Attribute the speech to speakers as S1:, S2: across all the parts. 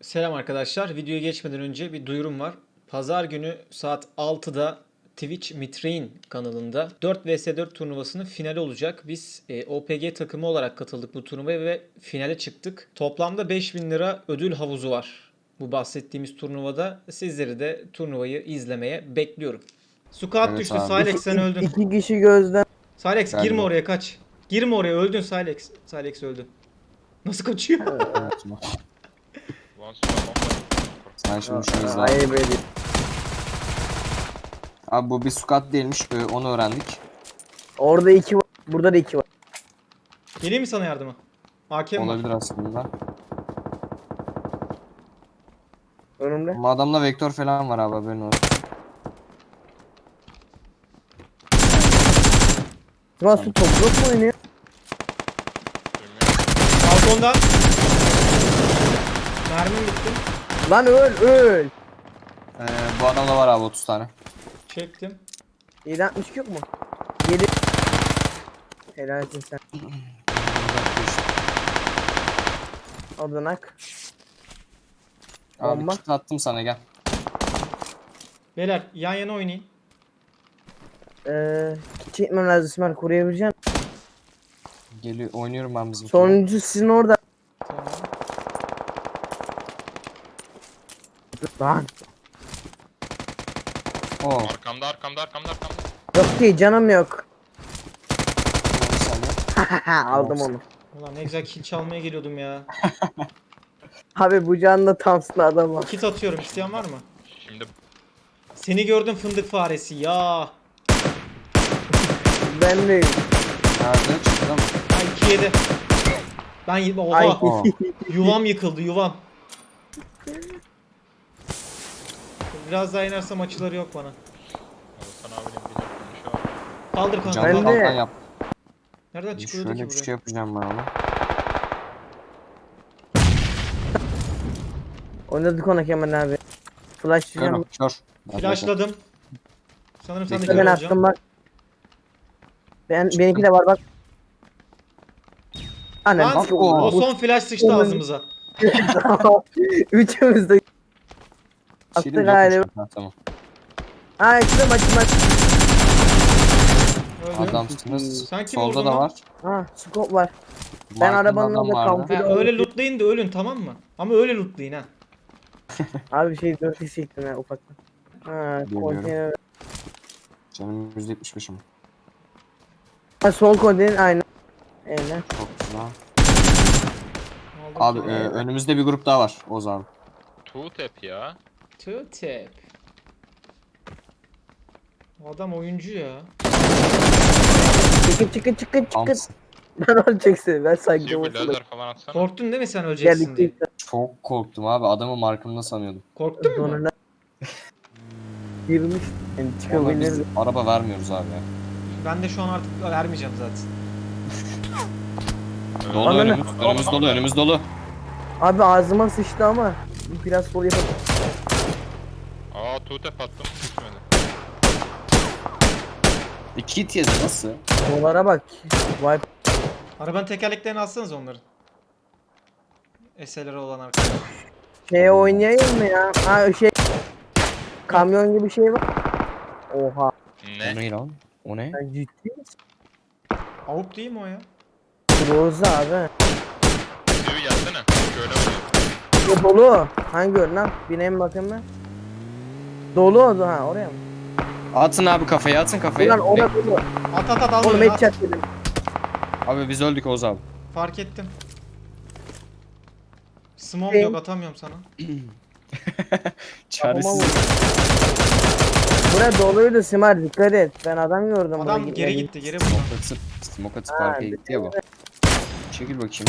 S1: Selam arkadaşlar. Videoya geçmeden önce bir duyurum var. Pazar günü saat 6'da Twitch Mitrein kanalında 4 vs 4 turnuvasının finali olacak. Biz OPG takımı olarak katıldık bu turnuvaya ve finale çıktık. Toplamda 5000 lira ödül havuzu var. Bu bahsettiğimiz turnuvada sizleri de turnuvayı izlemeye bekliyorum. Squat
S2: Evet
S1: düştü.
S2: abi.
S1: Silex sen öldün.
S3: İki kişi gözden.
S1: Silex girme
S2: Galiba.
S1: oraya, kaç. Girme oraya, öldün Silex. Silex öldü. Nasıl kaçıyor?
S2: Evet. Sen şimdi şu hızla.
S3: Hayır böyle.
S2: Abi bu bir squat değilmiş. Onu öğrendik.
S3: Orada iki var. Burada da iki var.
S1: Geleyim mi sana yardıma? AK'm var.
S2: Olabilir aslında.
S3: Önümde.
S2: Ama adamda vektör falan var abi, haberin olsun.
S3: Sivas su toprak mı oynuyor?
S1: Balkonda. Mermim bitti.
S3: Lan öl.
S2: Bu adamda var abi 30 tane.
S1: Çektim.
S3: 762 yok mu? 7. Helal etsin sen. Oradan ak.
S2: Abi
S3: Bomba.
S2: kit attım sana, gel.
S1: Beyler yan yana oynayın.
S3: Çekmem lazım İsmail, koruyabileceğim.
S2: Geliyor, oynuyorum ben bizim.
S3: Sonuncu sizin orada.
S1: Tamam.
S3: Lan.
S2: Oo.
S4: Arkamda.
S3: Yok ki canım yok.
S2: Bir saniye.
S3: Aldım onu.
S1: Ulan ne güzel kill çalmaya geliyordum ya.
S3: Abi bu canlı tamsın adam var.
S1: Kit atıyorum, isteyen var mı?
S4: Şimdi
S1: Seni gördüm fındık faresi ya.
S3: Ben de.
S2: Nerede? Çıktı mı?
S1: Ay 2-7. Ben oha.
S3: Ay.
S2: Oo.
S1: Yuvam yıkıldı, yuvam. Biraz daha inersem açıları yok bana.
S4: Oğuzhan abinin bir konuşuyor.
S1: Kaldır kanka.
S2: Canlı
S3: Ben de-
S2: kalkan yap.
S1: Nereden çıkıyordu
S2: Şöyle
S1: ki
S2: bir
S1: buraya?
S2: şey yapacağım ben ona.
S3: Oynadık ona Kemal abi. Flash
S2: Kör
S3: diyeceğim.
S2: o, kör.
S1: Flashladım. Sanırım sen de
S2: Bekle,
S1: kör
S3: Ben
S1: olacaksın.
S3: attım bak. Benimki de var bak. Annem.
S1: Lan,
S2: Bak
S1: o son flash sıçtı ağzımıza.
S3: Üçümüz de.
S2: Şeyim
S3: Attı
S2: yokmuş.
S3: galiba.
S2: Ha, tamam.
S3: Ha açtım.
S1: Öldü.
S2: Adamsınız.
S1: Sen kim
S2: Solda
S1: vurdun
S2: da
S1: lan?
S2: var.
S3: Ha scope var. Ben
S2: Markında
S3: arabanın
S2: adam
S3: orada
S2: vardı.
S3: kamp-
S1: Ha, öyle lootlayın da ölün, tamam mı? Ama öyle lootlayın ha.
S3: Abi şey 4 kişi çektim ya ufaktan. Ha
S2: Bilmiyorum.
S3: konteyner.
S2: Canım %75'im.
S3: Ha sol konteyner aynı. Aynen.
S2: Çok güzel.
S1: Aldım
S2: Abi
S1: ki.
S2: önümüzde bir grup daha var Oğuz abi.
S4: Two tap ya.
S1: Two tap. Adam oyuncu ya.
S3: Çıkın.
S2: Thompson.
S3: Ben olacaksın. Ben sanki
S4: Bir
S3: olsun.
S4: lazer falan atsana.
S1: Korktun değil mi sen öleceksin diye?
S3: Geldik.
S2: Çok korktum abi. Adamı markımda sanıyordum.
S1: Korktun mu?
S3: Sonuna girmiş. Yani
S2: Ama biz
S3: çıkabilirdi.
S2: araba vermiyoruz abi ya.
S1: Ben de şu an artık vermeyeceğim zaten.
S2: Dolu
S3: Ananı-
S2: önümüz dolu.
S3: Abi ağzıma sıçtı ama biraz sol yapalım.
S4: Aa two tap attım. Düşmedi.
S2: İki hit yedi, nasıl?
S3: Dolara bak. Vay.
S1: Arabanın tekerleklerini alsanız onların. SLR olan arkadaşlar.
S3: Şeye oynayayım mı ya? Ha şey. Kamyon gibi şey var. Oha.
S2: O
S4: Ne?
S2: ne lan? O ne?
S3: Sen ciddi misin?
S1: Avuk değil mi o ya?
S3: Roza abi.
S4: Sivi gelsene. Şöyle oluyor.
S3: Bu dolu. Hangi ön lan? Bineyim bakayım ben. Dolu oldu ha oraya mı?
S2: Atın abi kafayı, atın kafayı.
S3: Ulan orada dolu.
S1: At al
S3: Oğlum
S1: bunu, at.
S3: headshot dedim.
S2: Abi biz öldük Oğuz abi.
S1: Fark ettim. Smoke yok, atamıyorum sana.
S2: Çaresiz.
S3: Buraya doluydu Simar, dikkat et. Ben adam gördüm.
S1: Adam
S3: buraya
S1: geri
S3: gitmedi.
S1: gitti, geri buradan.
S2: Smoke atıp
S3: Ha,
S2: arkaya gitti ya bu. Çekil bakayım.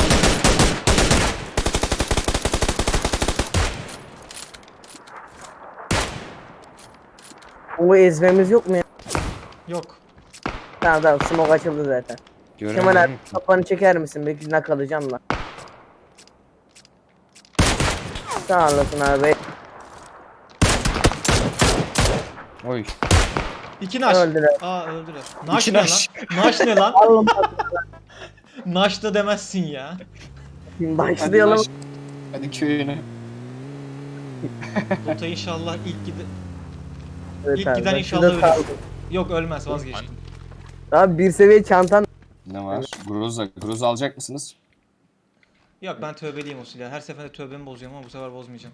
S3: O ezmemiz yok mu ya?
S1: Yok.
S3: Tamam smoke açıldı zaten. Kemal abi
S2: Göremiyorum.
S3: kafanı çeker misin? Belki nak alacağım lan. Sağ olasın abi.
S1: Oy.
S2: Oy.
S1: İki naş.
S3: Öldüler.
S1: Aa, öldüler. Naş
S2: İki
S1: ne
S2: naş.
S1: lan? Naş ne lan?
S3: Allah'ım
S1: Naş da demezsin ya.
S3: başlayalım.
S2: Hadi köyüne.
S1: Loot'a inşallah
S3: Evet
S1: İlk
S3: abi,
S1: giden
S3: ben
S1: inşallah
S3: şurada
S1: ölür.
S3: kaldım.
S1: Yok ölmez vazgeçtim.
S3: Abi bir seviye çantan.
S2: Ne var? Groza. Groza alacak mısınız?
S1: Yok ben tövbeliyim o silahı. Her seferinde tövbemi bozuyorum ama bu sefer bozmayacağım.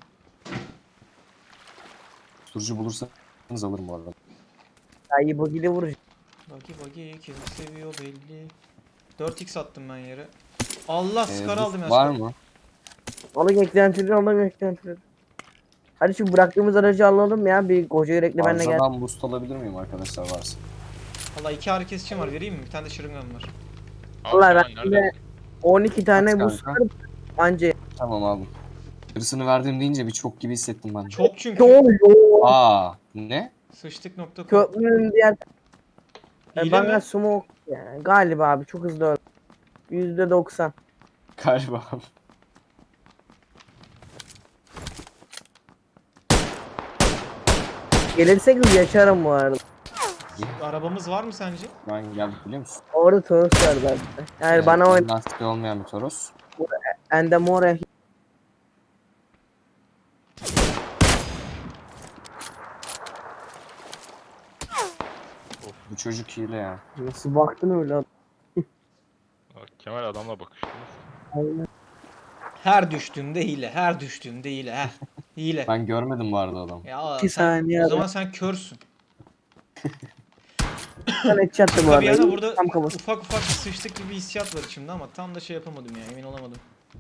S2: Tutucu bulursanız alırım bu arada.
S3: Ayı bugili vuracak.
S1: Bagi kim seviyor belli. 4x attım ben yere. Allah skar
S2: boost
S1: aldım ya.
S2: var
S1: skar.
S2: mı?
S3: Onu eklentileri, onu eklentileri. Hadi şu bıraktığımız aracı alalım ya. Bir koca yürekli benle gel.
S2: Fazladan boost alabilir miyim arkadaşlar varsa?
S1: Allah 2 ağrı kesicim var vereyim mi? Bir tane de şırıngam var.
S4: Al
S3: Vallahi
S4: Kemal,
S3: ben
S4: nerede?
S3: de 12 tane
S2: Kaç
S3: bu
S2: kanka?
S3: sıkarım. Anca.
S2: Tamam aldım. Yarısını verdim deyince bir çok gibi hissettim ben.
S1: Çok çünkü.
S3: Çok yoğun.
S2: Aa, ne?
S1: Sıçtık.com.
S3: Köprünün diğer.
S1: Hile
S3: Bana
S1: mi?
S3: smoke yani. Galiba abi çok hızlı öldü. %90.
S2: Galiba.
S3: Gelirse hız yaşarım bu arada.
S1: Arabamız var mı sence?
S2: Ben geldik biliyor musun?
S3: Orada Toros var zaten. Yani bana o
S2: Lastiği olmayan bir Toros.
S3: Endemore
S2: Bu çocuk hile ya.
S3: nasıl baktın öyle adam?
S4: Bak, Kemal adamla bakıştınız.
S3: Aynen.
S1: Her düştüğümde hile. Her düştüğümde hile. Heh. Hile.
S2: Ben görmedim bu arada adamı.
S1: Ya
S3: 2
S1: sen,
S3: saniye
S1: o
S3: adam.
S1: zaman sen körsün.
S3: Sen headshot'tı bu
S1: Tabii
S3: arada.
S1: yani burada
S3: Tam kafası.
S1: ufak bir sıçtık gibi hissiyat var içimde ama tam da şey yapamadım ya emin olamadım.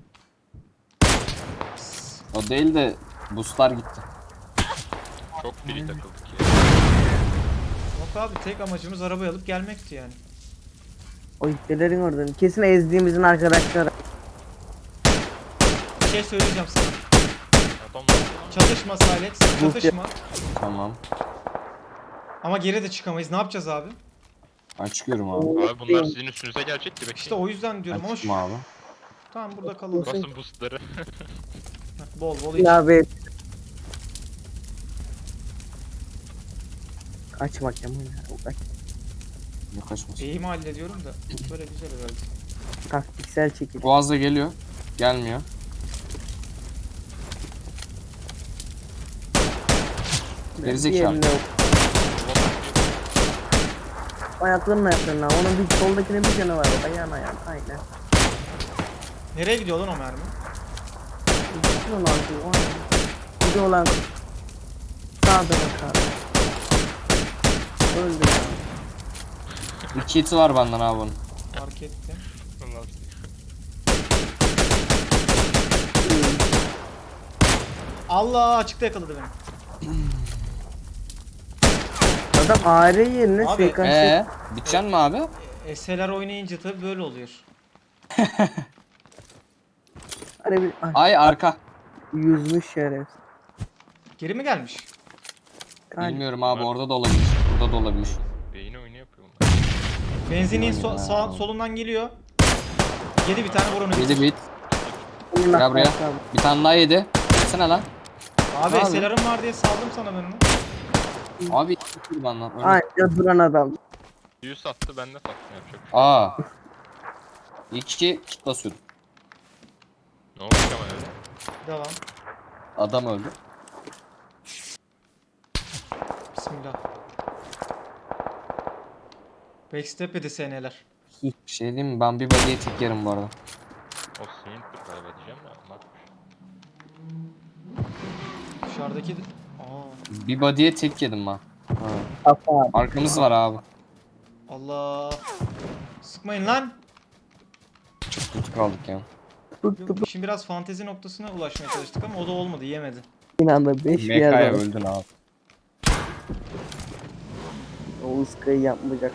S2: O değil de boostlar gitti.
S4: Çok free takıldık ya.
S1: Yok abi tek amacımız arabayı alıp gelmekti yani.
S3: O ihtelerin oradan. Kesin ezdiğimizin arkadaşları.
S1: Bir şey söyleyeceğim sana.
S4: Adam
S1: Çatışma Silent, çatışma.
S2: Tamam.
S1: Ama geri de çıkamayız. Ne yapacağız abi?
S2: Ben çıkıyorum abi.
S4: abi bunlar sizin üstünüze gelecek ki
S1: İşte
S4: bekleyin.
S1: o yüzden diyorum
S2: Ben
S1: ama
S2: çıktım abi.
S1: tamam burada kalalım.
S4: Basın boostları.
S1: Heh, bol bol iç.
S3: Abi. Kaçmak ya. Kaç.
S2: Ne kaçmasın.
S1: İyi mi hallediyorum da böyle güzel herhalde.
S3: Taktiksel çekil.
S2: Boğaz'da geliyor. Gelmiyor. Gerizekalı.
S3: Diğerine yok. Ayaklarına. Onun bir soldakinin bir canı var. Ayağın. Aynen.
S1: Nereye gidiyor lan o mermi?
S3: Bütün olan bir olan sağda bak abi. Öldü ya.
S2: Bir kiti var benden abi bunun.
S1: Fark ettim.
S4: Bunlar-
S1: Allah açıkta yakaladı beni.
S3: Adam AR yerine
S1: Abi,
S3: SKS
S2: Biteceksin mi abi?
S1: SLR oynayınca tabii böyle oluyor.
S3: bir
S2: Ay arka.
S3: yüzmüş şeref.
S1: Geri mi gelmiş?
S2: Bilmiyorum abi orada da olabilir. Burada da olabilir.
S4: Beyni oyunu yapıyor bunlar.
S1: Benzinin
S2: Ya.
S1: solundan geliyor. Yedi bir tane vur onu.
S2: Yedi bit.
S3: Bunun
S2: Gel buraya.
S3: hakkı abi.
S2: Bir tane daha yedi. Gelsene lan.
S1: Abi
S2: Abi.
S1: SLR'ım var diye saldım sana ben onu.
S2: Abi iki benden. Öyle.
S3: Anca duran adam.
S4: 100 sattı ben de sattım yapacak.
S2: Aa. İki kit basıyordum.
S4: Ne oldu Kemal öyle?
S1: Devam.
S2: Adam öldü.
S1: Bismillah. Backstep yedi SN'ler.
S2: Bir şey diyeyim mi? Ben bir body'ye tek yerim bu arada.
S4: O senin galiba diyeceğim de bakmış.
S1: Dışarıdaki... Aa,
S2: Bir body'ye tek yedim ben. Ha.
S3: Kafa abi.
S2: Arkamız var abi.
S1: Allah. Sıkmayın lan.
S2: Çok kötü kaldık ya.
S3: Tuttu
S1: Yok, şimdi biraz fantezi noktasına ulaşmaya çalıştık ama o da olmadı, yemedi.
S3: binanda 5 bir
S2: Mekaya
S3: yerde.
S2: öldün abi.
S3: O ıskayı yapmayacak.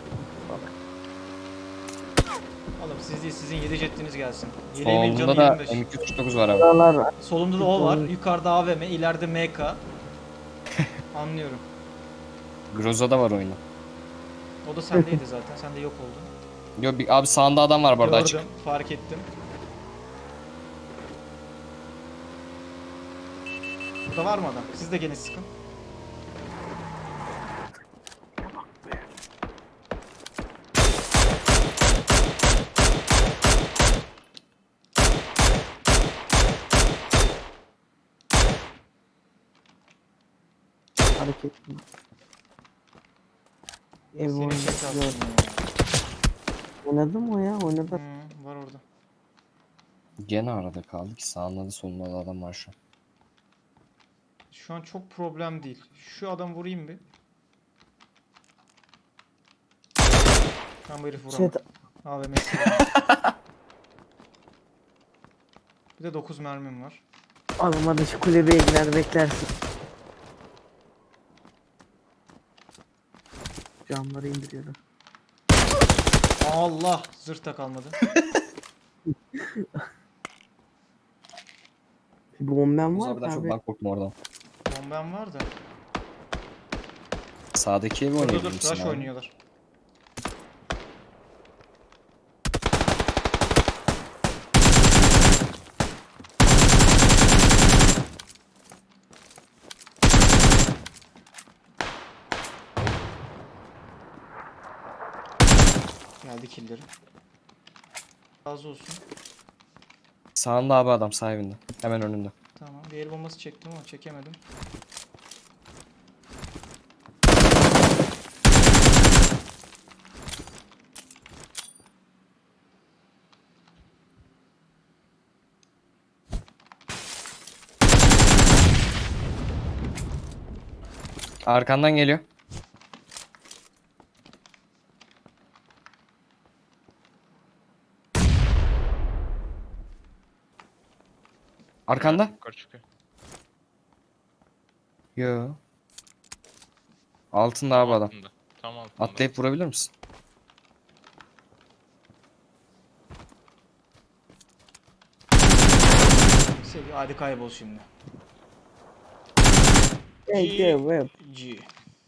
S1: Oğlum siz değil, sizin 7 jettiniz gelsin. Yeleğimin canı
S2: Solunda da
S1: 25.
S2: M249 var abi.
S3: Buralar var.
S1: Solumda da o var. Yukarıda AVM, ileride MK. Anlıyorum.
S2: Groza'da var oyunu.
S1: O da sendeydi zaten. Sen de yok oldun.
S2: Yo bir, abi sağında adam var burada açık.
S1: Gördüm, fark ettim. Burada var mı adam? Siz de gene sıkın.
S3: Hareket. Ev
S1: Senin
S3: oyunu.
S1: şey kalsın
S3: Yok.
S1: ya.
S3: Oynadım o ya oynadım.
S1: Var orada.
S2: Gene arada kaldı ki sağında da solunda da adam var şu an.
S1: Şu an çok problem değil. Şu adamı vurayım bir. Ben bu herifi
S3: Şey,
S1: vuramadım. AVM'si. Bir de 9 mermim var.
S3: oğlum hadi şu kulübeye gider beklersin. Camları indiriyorum.
S1: Allah! Zırh da kalmadı.
S3: Bombem
S2: Yavuz
S3: var
S2: abiden
S3: mı
S2: çok
S3: abi?
S2: ben korktum oradan.
S1: Bombem var da.
S2: Sağdaki evi
S1: Dur dur
S2: oynayabilir
S1: dur.
S2: misin
S1: Rush
S2: abi?
S1: oynuyorlar. Geldi killleri. Razı olsun.
S2: Sağında abi adam sağ evinde. Hemen önünde.
S1: Tamam. Bir el bombası çektim ama çekemedim.
S2: Arkandan geliyor. Arkanda?
S4: Yukarı çıkıyor.
S2: Yo. Altında abi adam.
S4: Altında. Tam altında.
S2: Atlayıp vurabilir misin?
S1: Seviye. Hadi kaybol şimdi.
S3: Hey, web.
S1: G.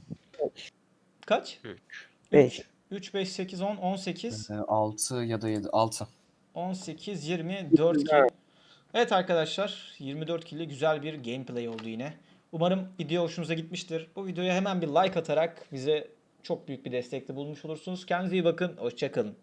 S1: Kaç?
S4: 3.
S3: 5.
S1: 3, 5, 8, 10, 18.
S2: 6 ya da 7. 6.
S1: 18, 20, 4 kill. Evet arkadaşlar 24 kill güzel bir gameplay oldu yine. Umarım video hoşunuza gitmiştir. Bu videoya hemen bir like atarak bize çok büyük bir destekte bulmuş olursunuz. Kendinize iyi bakın. Hoşça kalın.